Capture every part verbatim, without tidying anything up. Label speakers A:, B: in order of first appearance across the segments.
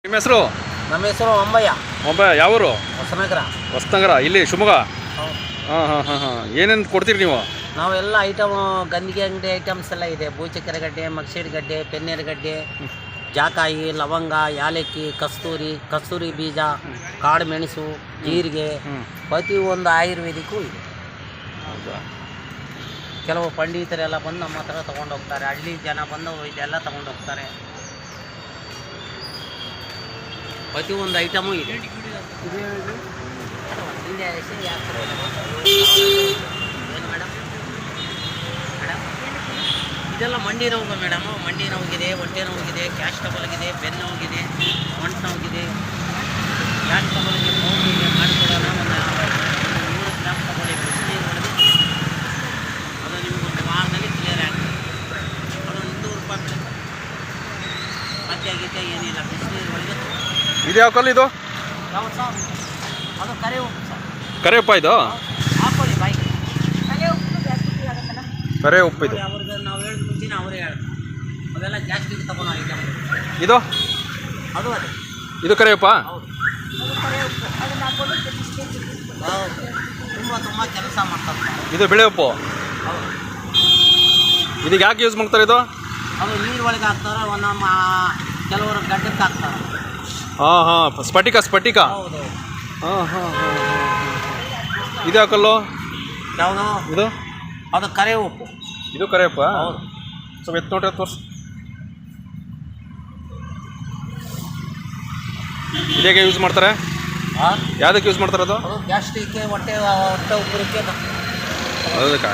A: ನಿಮ್ಮ ಹೆಸರು?
B: ನಮ್ಮ ಹೆಸರು ಅಂಬಯ್ಯ.
A: ಅಂಬಯ್ಯ, ಯಾವೂರು?
B: ಹೊಸನಗರ.
A: ಹೊಸನಗರ, ಇಲ್ಲಿ ಶಿವಮೊಗ್ಗ. ಹಾಂ ಹಾಂ ಹಾಂ ಹಾಂ ಏನೇನು ಕೊಡ್ತೀರಿ ನೀವು?
B: ನಾವೆಲ್ಲ ಐಟಮು ಗಂದಿಗೆ ಅಂಗಡಿ ಐಟಮ್ಸ್ ಎಲ್ಲ ಇದೆ. ಬೂಚಕ್ಕೆರೆ ಗಡ್ಡೆ, ಮಗಸೀಡ್ ಗಡ್ಡೆ, ಪೆನ್ನೇರು ಗಡ್ಡೆ, ಜಾಕಾಯಿ, ಲವಂಗ, ಯಾಲಕ್ಕಿ, ಕಸ್ತೂರಿ, ಕಸ್ತೂರಿ ಬೀಜ, ಕಾಡು ಮೆಣಸು, ಜೀರಿಗೆ, ಪ್ರತಿಯೊಂದು ಆಯುರ್ವೇದಿಕ್ಕೂ ಇದೆ. ಕೆಲವು ಪಂಡಿತರೆಲ್ಲ ಬಂದು ನಮ್ಮ ಹತ್ರ ತೊಗೊಂಡು ಹೋಗ್ತಾರೆ. ಹಳ್ಳಿ ಜನ ಬಂದು ಇದೆಲ್ಲ ತೊಗೊಂಡು ಹೋಗ್ತಾರೆ. ಪ್ರತಿಯೊಂದು ಐಟಮು ಇದೆ. ಏನು ಮೇಡಮ್? ಮೇಡಮ್ ಇದೆಲ್ಲ ಮಂಡಿ ನೋವು ಮೇಡಮು. ಮಂಡಿ ನೋವಿಗಿದೆ, ಹೊಟ್ಟೆ ನೋವಿಗಿದೆ, ಕ್ಯಾಶ್ ಟಬಲ್ಗಿದೆ, ಬೆನ್ನು ನೋವಿಗಿದೆ, ಮಂಟು ನೋವಿಗಿದೆ. ಕ್ಯಾಶ್ ಟಬಲ್ಗೆ ನೋವಿಗೆ ಮಾಡಿಕೊಡೋಣ. ಒಂದು ನೂರು ಗ್ರಾಮ್ ತಗೊಳ್ಳಿ, ಬಿಸಿನೀರು ಹೊಡೆದು ಅದು ನಿಮಗೊಂದು ವಾರದಲ್ಲಿ ಕ್ಲಿಯರ್ ಆಗ್ತದೆ. ಅದು ಇನ್ನೂರು ರೂಪಾಯಿ ಬೀಳುತ್ತೆ. ಮತ್ತೆ ಗೀತೆ ಏನಿಲ್ಲ, ಬಿಸಿನೀರು ಹೊಡೆದು.
A: ಇದು ಯಾವ ಕಲ್ಲು ಇದು?
B: ಯಾವ ಸರ್? ಅದು ಕರೆ ಉಪ್ಪು ಸರ್.
A: ಕರೆ ಉಪ್ಪ ಇದು?
B: ಹಾಕೊಳ್ಳಿ ಬಾಯಿ.
A: ಕರೆ ಉಪ್ಪು ಇದು.
B: ಅವ್ರಿಗೆ ನಾವು ಹೇಳಿದ ಮುಂಚೆನೇ ಅವರೇ ಹೇಳ್ತಾರೆ. ಅವೆಲ್ಲ ಜಾಸ್ತಿ ತಗೊಂಡು ಐಟಮ್.
A: ಇದು
B: ಅದು ಅದೇ
A: ಇದು ಕರೆ ಉಪ್ಪ?
B: ಹೌದು, ಹೌದು. ತುಂಬ ತುಂಬ ಕೆಲಸ ಮಾಡ್ತಾರೆ.
A: ಇದು ಬಿಳೆ ಉಪ್ಪು.
B: ಹೌದು.
A: ಇದಕ್ಕೆ ಯಾಕೆ ಯೂಸ್ ಮಾಡ್ತಾರೆ ಇದು?
B: ಅದು ನೀರು ಒಳಗೆ ಹಾಕ್ತಾರೆ, ಒಂದೊಂದು ಕೆಲವರು ಗಡ್ಡಕ್ಕೆ ಹಾಕ್ತಾರೆ.
A: ಹಾಂ ಹಾಂ ಸ್ಫಟಿಕ ಸ್ಫಟಿಕ.
B: ಹೌದು.
A: ಹಾಂ ಹಾಂ ಹಾಂ ಇದು ಯಾವ ಕಲ್ಲು?
B: ಯಾವುದು
A: ಇದು?
B: ಅದು ಕರೆ ಉಪ್ಪು.
A: ಇದು ಕರೆ ಉಪ್ಪ?
B: ಹೌದು.
A: ಸ್ವಲ್ಪ ಎತ್ತು ನೋಡ್ರಿ, ತೋರಿಸಿ. ಇದೇಗೆ ಯೂಸ್ ಮಾಡ್ತಾರೆ?
B: ಹಾಂ,
A: ಯಾವುದಕ್ಕೆ ಯೂಸ್ ಮಾಡ್ತಾರೆ ಅದು?
B: ಅದು ಗ್ಯಾಸ್ಟ್ರಿಕ್ಗೆ, ಹೊಟ್ಟೆ ಹೊಟ್ಟೆ ಉಬ್ಬರಕ್ಕೆ.
A: ಅದಕ್ಕೆ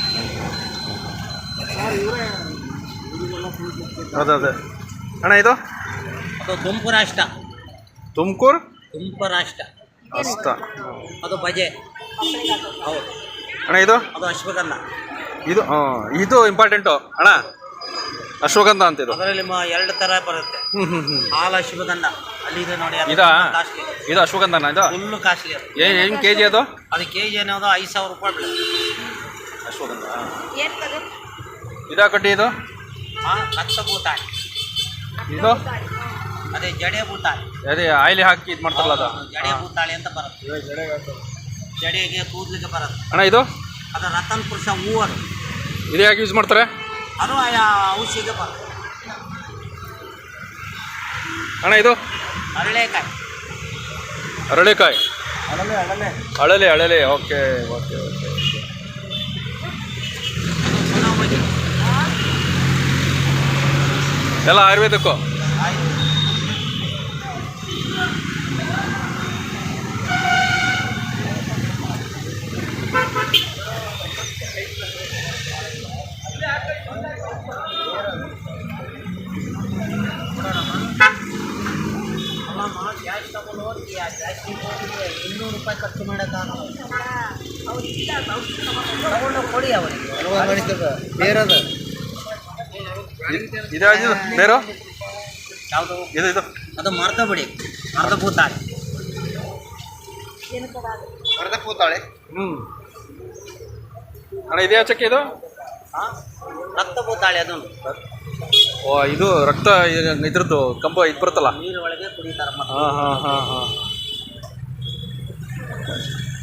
A: ಅದೇ ಅದೇ ಅಣ್ಣ. ಇದು
B: ಅದು ತುಮಕೂರು ರಾಷ್ಟ್ರ.
A: ತುಮಕೂರು
B: ತುಮಕೂರು ರಾಷ್ಟ್ರ
A: ಅಷ್ಟ.
B: ಅದು ಬಜೆ. ಹೌದು
A: ಅಣ್ಣ. ಇದು
B: ಅದು ಅಶ್ವಗಂಧ.
A: ಇದು ಹಾಂ, ಇದು ಇಂಪಾರ್ಟೆಂಟು ಅಣ್ಣ, ಅಶ್ವಗಂಧ ಅಂತ. ಇದು
B: ಅದರಲ್ಲಿ ಮ ಎರಡು ಥರ ಬರುತ್ತೆ.
A: ಹ್ಞೂ ಹ್ಞೂ ಹ್ಞೂ
B: ಹಾಲು ಅಶ್ವಗಂಧ ಅಲ್ಲಿದೆ ನೋಡಿ. ಅದು
A: ಇದಾ?
B: ಕಾಸ್ಟ್ಲಿ.
A: ಇದು ಅಶ್ವಗಂಧನ? ಇದು
B: ಫುಲ್ಲು ಕಾಸ್ಟ್ಲಿ. ಅದು
A: ಏನು ಏನು ಕೆ ಜಿ ಅದು?
B: ಅದು ಕೆ ಜಿ ಅನ್ನೋದು ಐದು ಸಾವಿರ ರೂಪಾಯಿ ಬೀಳುತ್ತೆ.
A: ಅಶ್ವಗಂಧ. ಇದಾ ಕಟ್ಟಿ? ಇದು
B: ಹಾಂ, ರಕ್ತ ಭೂತಾಯಿ.
A: ಇದು
B: ಅದೇ ಜಡೆ ಭೂತಾಯಿ.
A: ಅದೇ ಆಯಿಲಿ ಹಾಕಿ ಇದು ಮಾಡ್ತಾರಲ್ಲ ಅದು?
B: ಜಡೆ ಭೂತಾಳಿ ಅಂತ ಬರುತ್ತೆ. ಜಡೆಗೆ ಕೂದಲಿಗೆ ಬರುತ್ತೆ.
A: ಅಣ್ಣ. ಇದು
B: ಅದು ರತನ್ ಪುರುಷ ಹೂವು. ಅದು
A: ಇದು ಯಾಕೆ ಯೂಸ್ ಮಾಡ್ತಾರೆ?
B: ಅದು ಔಷಧಿಗೆ ಬರುತ್ತೆ.
A: ಅಣ್ಣ. ಇದು
B: ಅರಳೆಕಾಯಿ.
A: ಅರಳೆಕಾಯಿ.
B: ಅಳಲೆ ಅಳಲೆ
A: ಅಳಲೆ ಅಳಲೆ ಓಕೆ ಓಕೆ ಓಕೆ.
B: ಸುನಾಮಣಿ
A: ಎಲ್ಲ ಆಯುರ್ವೇದಕ್ಕೂ?
B: ಆಯ್ತು. ಅಲ್ಲಮ್ಮ, ಗ್ಯಾಸ್ ತಗೊಂಡು ಹೋಗಿ ಜಾಸ್ತಿ ಇನ್ನೂರು ರೂಪಾಯಿ ಖರ್ಚು ಮಾಡೋಕ್ಕಾಗಲ್ಲ. ತಗೊಂಡು ಕೊಡಿ ಅವರಿಗೆ. ಬೇರದ
A: ಇದು ಬೇರೆ
B: ಯಾವುದು?
A: ಇದು ಇದು
B: ಅದು ಮರ್ದ ಬಿಡಿ. ಮರ್ದ ಭೂತಾಳೆ.
A: ಮರದ ಕೂತಾಳೆ. ಹ್ಞೂ ಅಣ್ಣ. ಇದು ಯಾವ ಚಕ್ಕೆ ಇದು?
B: ಹಾಂ, ರಕ್ತ ಭೂತಾಳೆ. ಅದನ್ನು
A: ಓ, ಇದು ರಕ್ತ ಇದ್ರದ್ದು ಕಂಬ ಇದು ಬರುತ್ತಲ್ಲ,
B: ನೀರು ಒಳಗೆ ಕುಡಿತಾರೆ.
A: ಹಾಂ ಹಾಂ ಹಾಂ ಹಾಂ.